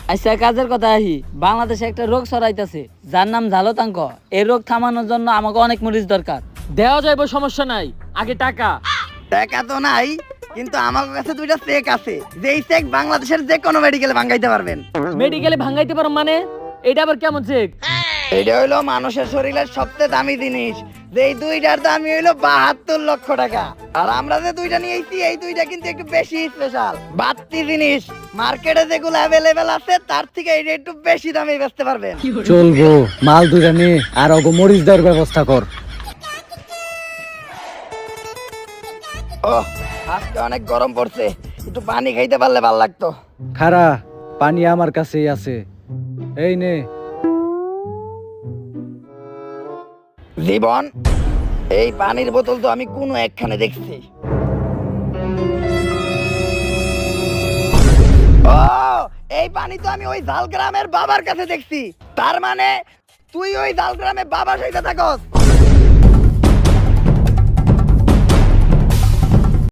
আচ্ছা কাজের কথা আহি, বাংলাদেশে একটা রোগ ছড়াইতেছে যার নাম ঝালতাঙ্ক। এই রোগ থামানোর জন্য আমাকে অনেক মরিচ দরকার। দেওয়া যাইব, সমস্যা নাই, আগে টাকা। টাকা তো নাই, কিন্তু আমার কাছে দুইটা চেক আছে, যেই চেক বাংলাদেশের যে কোনো মেডিকেলে ভাঙাইতে পারবেন। মেডিকেলে ভাঙাইতে পারো মানে? এটা আবার কেমন চেক? এটা হইলো মানুষের শরীরের সবচেয়ে দামি জিনিস, যেই দুইটার দামই হইলো 72 লক্ষ টাকা। আর আমরা যে দুইটা নিয়েছি এই দুইটা কিন্তু একটু বেশি স্পেশাল, বাড়তি জিনিস। মার্কেটে যেগুলো অ্যাভেলেবেল আছে তার থেকে এটা একটু বেশি দামে বেচতে পারবেন। চলবো, মাল দুইটা নে আর অগো মরিচ দেওয়ার ব্যবস্থা কর। ওহ, আজকে অনেক গরম পড়ছে, একটু পানি খাইতে পারলে ভালো লাগতো। খারা, পানি আমার কাছেই আছে, এই নে। জীবন, এই পানির বোতল তো আমি কোনো একখানে দেখছি। ও, এই পানি তো আমি ওই ঝালগ্রামের বাবার কাছে দেখছি। তার মানে তুই ওই ঝালগ্রামে বাবার সাথে থাকস?